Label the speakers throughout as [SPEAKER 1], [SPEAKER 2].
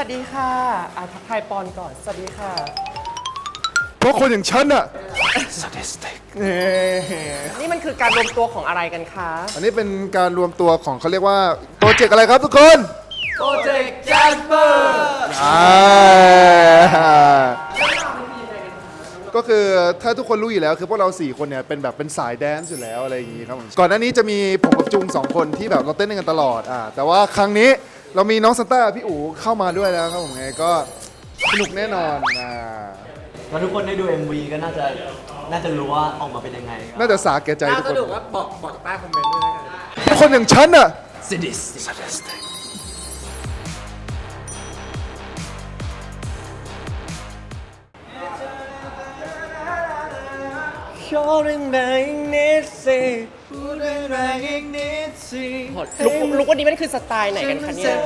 [SPEAKER 1] ดีค่ะทักทายปอนก่อนสวัสดีค่ะ
[SPEAKER 2] เพราะคนอย่างฉันอะ
[SPEAKER 1] sadistic นี่มันคือการรวมตัวของอะไรกันคะ
[SPEAKER 2] อันนี้เป็นการรวมตัวของเขาเรียกว่าโปรเจกต์อะไรครับทุกคน
[SPEAKER 1] โปรเจกต์แจสเปอร์
[SPEAKER 2] ก็คือถ้าทุกคนรู้อยู่แล้วคือพวกเรา4คนเนี่ยเป็นแบบเป็นสายแดนซ์อยู่แล้วอะไรอย่างงี้ครับผมก่อนหน้านี้จะมีผมกับจุง2คนที่แบบเราเต้นกันตลอดแต่ว่าครั้งนี้เรามีน้องซันต้าพี่อู๋เข้ามาด้วยแล้วครับผมไงก็สนุกแน่นอน
[SPEAKER 3] ถ้าทุกคนได้ดู MV ก็น่าจะรู้ว่าออกมาเป็นยังไง
[SPEAKER 2] น่าจะสาแก่ใจทุกคน
[SPEAKER 1] สนุกว่าบอกใต้คอมเมนต์ด้วยนะ
[SPEAKER 2] คนอย่างฉันอะ
[SPEAKER 1] sadisticลุกวันนี้มันคือสไตล์ไหนกันคะเนี่ย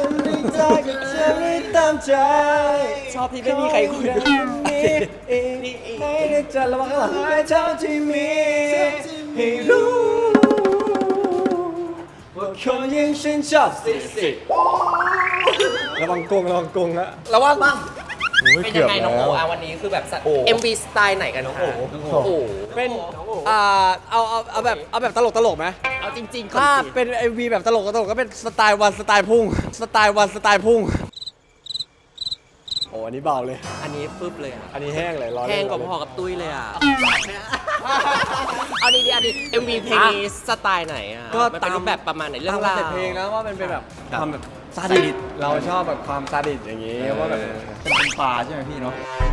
[SPEAKER 1] ชอบที่ไม่มีใครคุยด้วย
[SPEAKER 3] ไม่ได้จะระวังหลังเท่าที่มีให้รู้ว่าคนยังฉันชอบสิระวังกงนะ
[SPEAKER 1] ระวังเป็นยังไงน้องโอวันนี้คือแบบ MV สไตล์ไหนกันน้องโอ
[SPEAKER 3] เป็นเอาแบบตลกไหม
[SPEAKER 1] เอาจริงๆ
[SPEAKER 3] ถ้าเป็น MV แบบตลกก็เป็นสไตล์วันสไตล์พุ่งโอ้อันนี้เบาเลย
[SPEAKER 1] อันนี้ฟึบเลย
[SPEAKER 3] อันนี้แห้งเลย
[SPEAKER 1] แห้งกว่าพอกับตุ้ยเลยเอาดี MV เพลงนี้สไตล์ไหนก็ตามแบบประมาณไหนเรื่องราว
[SPEAKER 3] เพลงแล้วว่ามันเป็นแบบความแบบซาดิสเราชอบแบบความซาดิสอย่างนี้ว่าแบบเป็นปลาใช่ไหมพี่เนาะ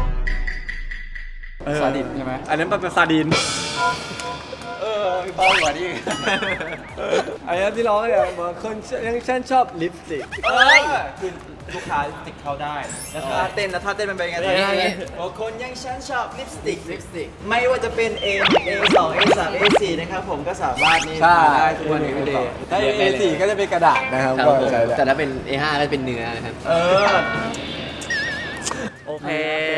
[SPEAKER 3] ซาดิสใช่ไหมอันนั้นเป็นซาดินมีเบากว่านี้อันนี้ที่ร้องเนี่ยคนยังฉันชอบลิปสติกคือลูกค้าติดเข้าได้แล้วถ้าเต้นมันเป็นไงคนยังฉันชอบลิปสติกไม่ว่าจะเป็น A2 A3 A4 นะครับผมก็สามารถนี่ได้ทุกวันนี้เลยถ้า A4 ก็จะเป็นกระดาษนะครับ
[SPEAKER 4] แต่ถ้าเป็น A5 ก็จะเป็นเนื้อนะครับ
[SPEAKER 1] โอเค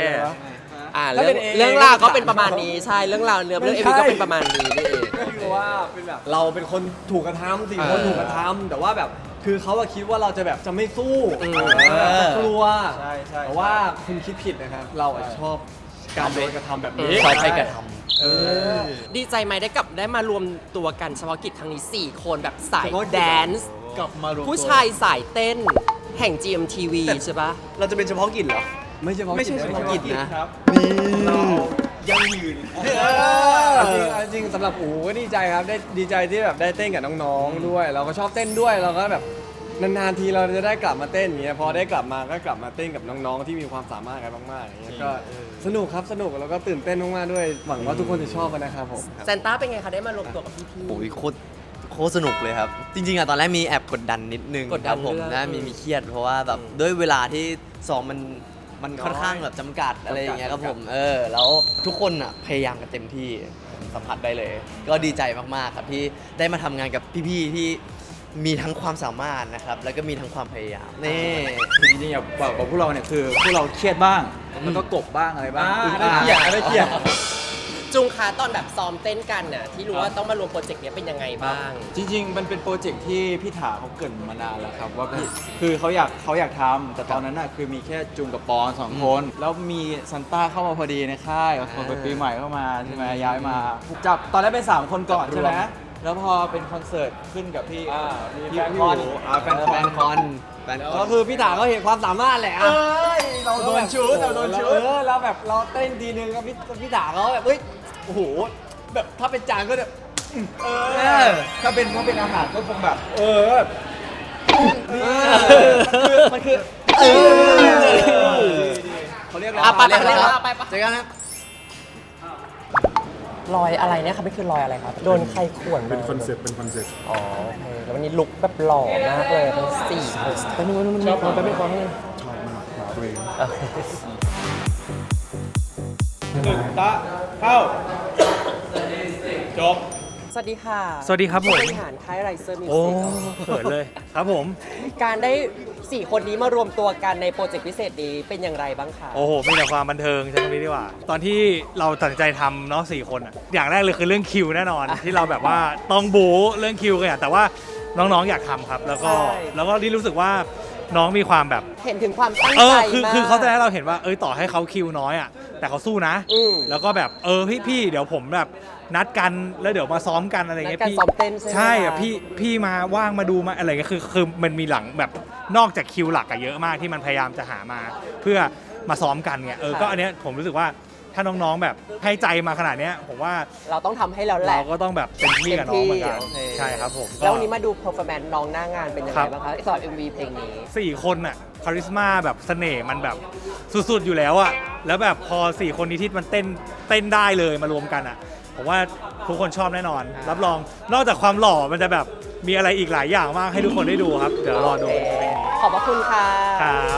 [SPEAKER 1] เรื่องราวก็เป็นประมาณนี้ใช่เรื่องราวเรื่องเอ็มวีก็เป็นประมาณนี้นี่เอง
[SPEAKER 3] ก็คือว่าเป็นแบบเราเป็นคนถูกกระทำ4 คนถูกกระทำแต่ว่าแบบคือเขาคิดว่าเราจะแบบจะไม่สู้กลัวใช่แต่ว่าคุณคิดผิดนะครับเราชอบการโดนกระทำแบบนี้
[SPEAKER 4] ชอบให้กระท
[SPEAKER 1] ำดีใจไหมได้มารวมตัวกันเฉพาะกิจครั้งนี้4คนแบบสายแดนซ์ผู้ชายสายเต้นแห่ง GMTV ใช่ปะ
[SPEAKER 3] เราจะเป็นเฉพาะกิจเหรอไม่ใช่เฉพาะกิจนะครับเรายังยืนจริงสำหรับอู๋ก็ดีใจครับได้ดีใจที่แบบได้เต้นกับน้องๆด้วยเราก็ชอบเต้นด้วยเราก็แบบนานๆทีเราจะได้กลับมาเต้นอย่างเงี้ยพอได้กลับมาก็กลับมาเต้นกับน้องๆที่มีความสามารถกันมากๆอย่างเงี้ยก็สนุกแล้วก็ตื่นเต้นมากๆด้วยหวังว่าทุกคนจะชอบกันนะครับผม
[SPEAKER 1] แซนต้าเป็นไงคะได้มารวมตัวกับพี่
[SPEAKER 4] ๆโอ้ยโคตรสนุกเลยครับจริงๆตอนแรกมีแอบกดดันนิดนึงครับผมนะมีเครียดเพราะว่าแบบด้วยเวลาที่ซ้อมมันค่อนข้างแบบจำกัดอะไรอย่างเงี้ยครับผมแล้วทุกคนอ่ะพยายามกันเต็มที่สัมผัสได้เลยก็ดีใจมากๆครับที่ได้มาทำงานกับพี่ๆที่มีทั้งความสามารถนะครับแล้วก็มีทั้งความพยายามนี่
[SPEAKER 3] จริงๆอย่างบอกพวกเราเนี่ยคือพวกเราเครียดบ้างแล้วก็กบบ้างอะไรบ้างได้เครียด
[SPEAKER 1] จุงคะตอนแบบซ้อมเต้นกันน่ะที่รู้ว่าต้องมารวมโปรเจกต์นี้เป็นยังไงบ้าง
[SPEAKER 3] จริงๆมันเป็นโปรเจกต์ที่พี่ถาเขาเกริ่นมานานแล้วครับว่าคือเขาอยากทำแต่ตอนนั้นน่ะคือมีแค่จุงกับปอน2 คนแล้วมีซันต้าเข้ามาพอดีในค่ายคนปีใหม่เข้ามาใช่ไหมย้ายมาจับตอนแรกเป็น3 คนก่อนใช่ไหมแล้วพอเป็นคอนเสิร์ตขึ้นกับพี่คอนแฟนคอนก็คือพี่ถาเขาเห็นความสามารถแหละเราโดนชุดแล้วแบบเราเต้นทีนึงก็พี่ถาเขาแบบโอ้โหแบบถ้าเป็นจานก็แบบถ้าเป็นอาหารก็คงแบบมันคือเขาเรียกอะไร
[SPEAKER 1] ไป
[SPEAKER 4] เจอกันครับ
[SPEAKER 1] รอยอะไรเนี่ยครับไม่คือรอยอะไรครับโดนใครข่วน
[SPEAKER 2] เป็นคอนเซ็ปต์
[SPEAKER 1] อ๋อโอเคแล้ววันนี้ลุคแบบหล่อมากเลยทั้ง4 คน
[SPEAKER 2] ไปนู่นชอบความเป็นความชอบมากตัวเอง
[SPEAKER 3] ตะเข้าจบ
[SPEAKER 1] สวัสดีค่ะ
[SPEAKER 5] สวัสดีครับผม
[SPEAKER 1] บริหารค่ายไรเซอร์มิว
[SPEAKER 5] โอ้
[SPEAKER 1] สิก
[SPEAKER 5] เขินเลยครับผม
[SPEAKER 1] การได้4 คนนี้มารวมตัวกันในโปรเจกต์พิเศษนี้เป็นอย่างไรบ้างคะ
[SPEAKER 5] โอ้โหมีแต่ความบันเทิงใช่ไหมดีกว่าตอนที่เราตัดสินใจทำเนาะ4 คนอ่ะอย่างแรกเลยคือเรื่องคิวแน่นอนที่เราแบบว่าต้องบู๊เรื่องคิวกันแต่ว่าน้องๆอยากทำครับแล้วก็ที่รู้สึกว่าน้องมีความแบบ
[SPEAKER 1] เห็นถึงความตั้ง
[SPEAKER 5] เอ
[SPEAKER 1] ใจ
[SPEAKER 5] อคือ
[SPEAKER 1] มาก
[SPEAKER 5] คือเขาจะให้เราเห็นว่าต่อให้เขาคิวน้อยอ่ะแต่เขาสู้นะ
[SPEAKER 1] อืม
[SPEAKER 5] แล้วก็แบบพี่เดี๋ยวผมแบบนัดกันแล้วเดี๋ยวมาซ้อมกันอะไรเงี้ย
[SPEAKER 1] นัดกัน
[SPEAKER 5] พี่
[SPEAKER 1] ซ้อมเต้นใช่ไหม
[SPEAKER 5] ใช่อะ
[SPEAKER 1] คะ
[SPEAKER 5] พี่มาว่างมาดูมาอะไรเงี้ยคือมันมีหลังแบบนอกจากคิวหลักอะเยอะมากที่มันพยายามจะหามา เพื่อมาซ้อมกันเนี่ยก็อันเนี้ยผมรู้สึกว่าถ้าน้องๆแบบให้ใจมาขนาดเนี้ยผมว่า
[SPEAKER 1] เราต้องทำให้แล้วแหละ
[SPEAKER 5] เราก็ต้องแบบเต็มที่กับน้องเหมือนกัน
[SPEAKER 1] โอเค
[SPEAKER 5] ใช่ครับผม
[SPEAKER 1] แล้ววันนี้มาดู performance น้องหน้างานเป็นยัง
[SPEAKER 5] ครั
[SPEAKER 1] ไง
[SPEAKER 5] บ
[SPEAKER 1] บ้างคะสำหรับ MV เพลงนี้
[SPEAKER 5] 4 คนอะคาริสมาแบบเสน่ห์มันแบบสุดๆอยู่แล้วอะแล้วแบบพอ 4 คนนี้ที่มันเต้นได้เลยมารวมกันอะผมว่าทุกคนชอบแน่นอน รับรองนอกจากความหล่อมันจะแบบมีอะไรอีกหลายอย่างมากให้ทุกคนได้ดูครับ เดี๋ยวรอดู
[SPEAKER 1] โอเคขอบพระคุณค่ะ
[SPEAKER 5] ครับ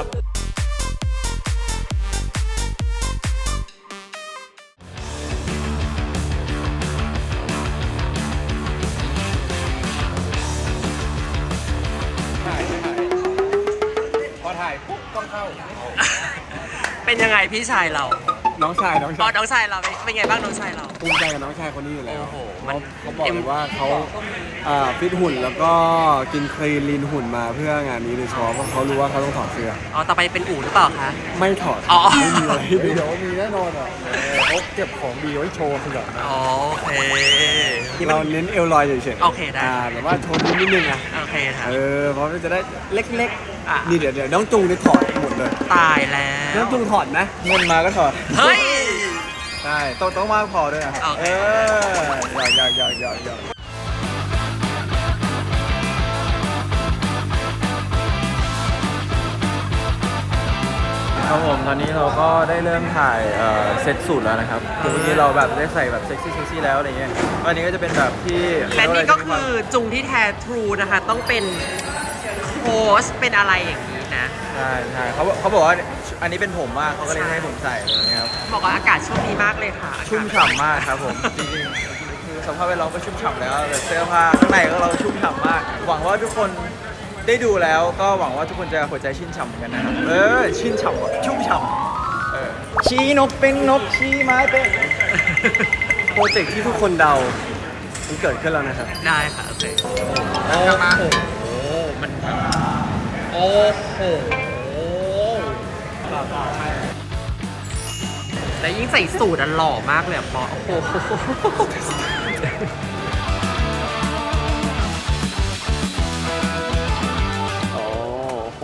[SPEAKER 1] เป็นยังไงพี่ชายเรา
[SPEAKER 6] น้องชาย
[SPEAKER 1] น้องชายเราเป็นไงบ้างน้องชายเรา
[SPEAKER 6] ภูมิใจกับน้องชายคนนี้อยู่แล้ว
[SPEAKER 1] โอ้โหมัน
[SPEAKER 6] เขาบอกเลยว่าเขาฟิตหุ่นแล้วก็กินคลีนลีนหุ่นมาเพื่องานนี้โดยเฉพาะเพราะเขารู้ว่าเขาต้องถอดเสื้อ
[SPEAKER 1] อ๋อต่อไปเป็นอู่หรือเปล่าคะ
[SPEAKER 6] ไม่ถอด
[SPEAKER 1] อ๋อ
[SPEAKER 6] ไม่มีอะไรให้ดู
[SPEAKER 2] เดี๋ยวมีแน่นอนอ่ะเขาเก็บของดีไว้โชว์สำหรับนะ
[SPEAKER 1] อ๋อโอเค
[SPEAKER 6] เราเน้นเอลลอยเฉยๆ
[SPEAKER 1] โอเคได้
[SPEAKER 6] แบบว่าโชว์นิดนึงอ่ะ
[SPEAKER 1] โอเคค่ะ
[SPEAKER 6] เพราะมันจะได้เล็ก
[SPEAKER 1] อ่ะ
[SPEAKER 6] ๆนี่เดี๋ยวน้องจุงนี่ถอดหมดเลย
[SPEAKER 1] ตายแล้
[SPEAKER 6] น้อ
[SPEAKER 1] ว
[SPEAKER 6] งจุงถอดนะเงินมาก็ถอด
[SPEAKER 1] เฮ้ย
[SPEAKER 6] ใช่ต้องมากพอด้วยนะ
[SPEAKER 1] โอเค
[SPEAKER 6] หยอก
[SPEAKER 3] ครับผมตอนนี้เราก็ได้เริ่มถ่ายเซตสูตรแล้วนะครับคือเมื่อกี้เราแบบได้ใส่แบบเซ็กซี่แล้วอะไรเงี้ยวันนี้ก็จะเป็นแบบที่
[SPEAKER 1] และนี่ก็คือจุงที่แท้ทรูนะคะ ต้องเป็นโค้ชเป็นอะไรอย่างนี้นะ
[SPEAKER 3] ใช่เขาบอกว่าอันนี้เป็นผมมากเขาก็เลยให้ผมใส่อะไรเงี้ยครับ
[SPEAKER 1] บอกว่าอากาศช่วงนี้มากเลยค่ะ
[SPEAKER 3] ชุ่มฉ่ำมากครับผมจริงๆคือสภาพแวดล้อมก็ชุ่มฉ่ำแล้วแต่เสื้อผ้าข้างในก็เราชุ่มฉ่ำมาก หวังว่าทุกคนได้ดูแล้วก็หวังว่าทุกคนจะหัวใจชื่นฉ่ำกันนะครับชื่นฉ่ำว่ะชุ่มฉ่ำชี้นกเป็นนกชี้ไม้เป็น
[SPEAKER 6] โปรเจกต์ที่ทุกคนเดามันเกิดขึ้นแล้วนะครับ
[SPEAKER 1] ได้ค่ะโอเคโอ้โหมันโอ้โหและยิ่งใส่สูทอันหล่อมากเลยอ่ะปอโอ้โห
[SPEAKER 4] โอ้โห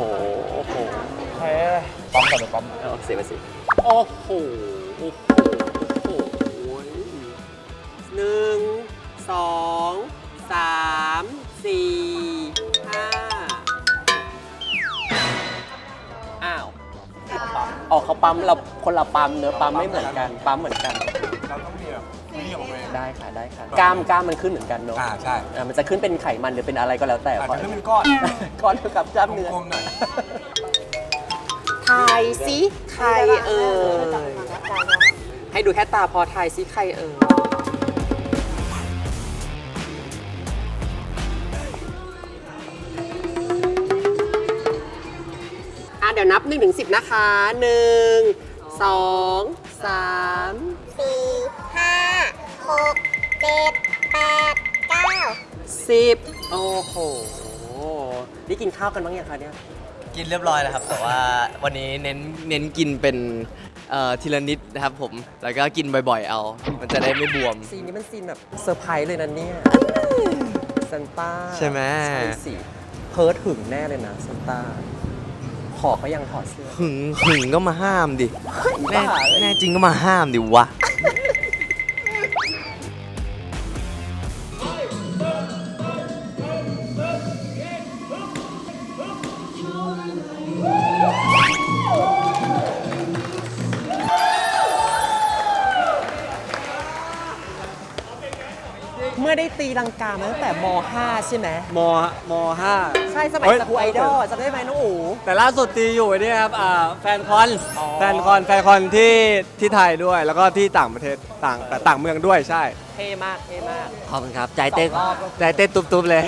[SPEAKER 3] ปั๊มก่อนหรือปั๊ม
[SPEAKER 4] เสียไปสิ
[SPEAKER 1] โอ้โหโอ้โหโอ้โหหนึ่งสองสามสี่ห้าอ้าวออกเขาปั๊มเราคนละปั๊มเนื้อะปั๊มไม่เหมือนกันปั๊มเหมือนกัน
[SPEAKER 6] เราต้องมีแบบนี่ออกมา
[SPEAKER 1] ได้ค่ะได้ค่ะกล้ามมันขึ้นเหมือนกันเนาะ
[SPEAKER 6] ใช่
[SPEAKER 1] มันจะขึ้นเป็นไขมันหรือเป็นอะไรก็แล้วแต่
[SPEAKER 6] อาจจะขึ้นเป็นก้อน
[SPEAKER 1] ก้อนเท่ากับกล้ามเนื้อก
[SPEAKER 6] ลมๆหน่อย
[SPEAKER 1] ทายสิใครเอ่ยให้ดูแค่ตาพอทายสิใครเอ่ยเดี๋ยวนับ1 ถึง 10 นะคะ 1 2 3 10 โอ้โห ได้กินข้าวกันบ้างยังคะเนี่ย
[SPEAKER 4] กินเรียบร้อยแล้วครับ แต่ว่าวันนี้เน้นกินเป็นทีละนิดนะครับผม แล้วก็กินบ่อยๆเอา มันจะได้ไม่บวม
[SPEAKER 1] ซีนนี้มันซีนแบบเซอร์ไพรส์เลยนะเนี่ยซันต้า
[SPEAKER 4] ใช่ไหม
[SPEAKER 1] ใช่สิ เพิร์ดหึงแน่เลยนะซันต้า ขอเขายังถอดเสื้อ
[SPEAKER 4] หึงก็มาห้ามดิ แน่
[SPEAKER 1] บ้าเลย
[SPEAKER 4] แน่จริงก็มาห้ามดิวะ
[SPEAKER 1] เมื่อได้ตีลังกามาตั้งแต่ม .5 ใช่ไหม
[SPEAKER 7] ม5
[SPEAKER 1] ใช่สมัย
[SPEAKER 7] เฮ้ย
[SPEAKER 1] สกูไอดอลจำได้ไหมน้องอู๋
[SPEAKER 7] แต่ล่าสุดตีอยู่ไอ้นี่ครับแฟนคอน
[SPEAKER 1] อ๋อ
[SPEAKER 7] แฟนคอนที่ไทยด้วย แล้วก็ที่ต่างประเทศต่างเมืองด้วยใช่
[SPEAKER 1] เท่มากเท่มาก
[SPEAKER 7] ขอบคุณครับใจเต้น
[SPEAKER 1] สองรอบ
[SPEAKER 7] ใจเต้นตุ๊บๆเลย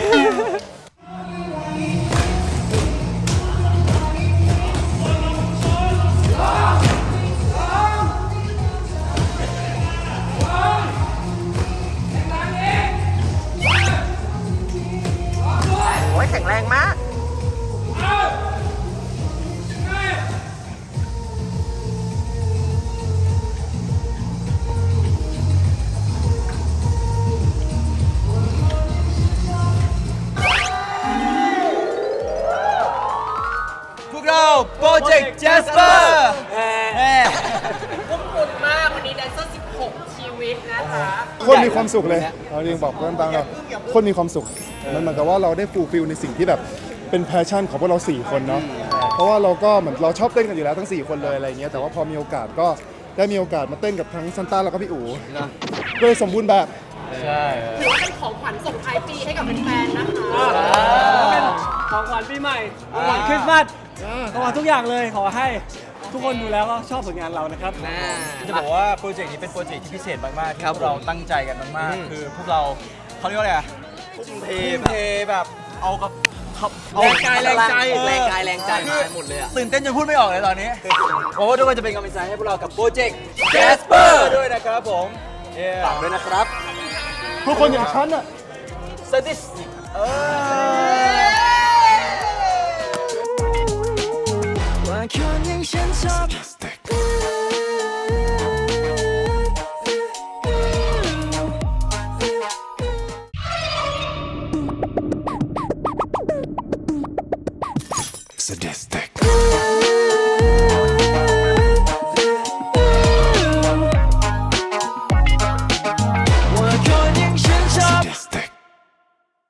[SPEAKER 1] โอ้ยแข็งแรงมาก
[SPEAKER 2] คนมีความสุขเลยเราจริงบอกเพื่อนตามเราคนมีความสุขมันเหมือนกับว่าเราได้ฟูลฟิลในสิ่งที่แบบเป็นแพชชั่นของพวกเรา4คนเนาะเพราะว่าเราก็เหมือนเราชอบเต้นกันอยู่แล้วทั้ง4คนเลยอะไรเงี้ยแต่ว่าพอมีโอกาสก็ได้มีโอกาสมาเต้นกับทั้งซันต้าแล้วก็พี่อู๋ก็เลยสมบูรณ์แบบ
[SPEAKER 3] ใช่
[SPEAKER 1] ถือว่าเป็นของขวัญส่งท้ายปีให้กับแฟนๆนะคะ
[SPEAKER 7] เป็นของขวัญปีใหม่ของขวัญคริสต์มาสของขวัญทุกอย่างเลยขอให้ทุกคนดูแล้วก็ชอบผลงานเรานะครับ
[SPEAKER 3] จะบอกว่าโปรเจกต์นี้เป็นโปรเจกต์ที่พิเศษมากๆที่
[SPEAKER 4] ครับ
[SPEAKER 3] พวกเราตั้งใจกันมากๆคือพวกเราเขาเรียกว่าอะไรอะ
[SPEAKER 4] ทุ่มเท
[SPEAKER 3] ทุ่มเทแบบเอากับเอา
[SPEAKER 4] แรงกายแรงใจ
[SPEAKER 3] เออ
[SPEAKER 4] แรงกายแรงใจมาหมดเลยอะ
[SPEAKER 3] ตื่นเต้นจนพูดไม่ออกเลยตอนนี้โอ้ทุกคนจะเป็นกำลังใจให้พวกเรากับโปรเจกต์ Jasper ด้วยนะครับผมฝากด้วยนะครับ
[SPEAKER 2] ทุกคนอย่างฉันอ่ะ
[SPEAKER 3] สติสเออ
[SPEAKER 8] ว่าคนอย่างฉันชอบ
[SPEAKER 9] Sadistic.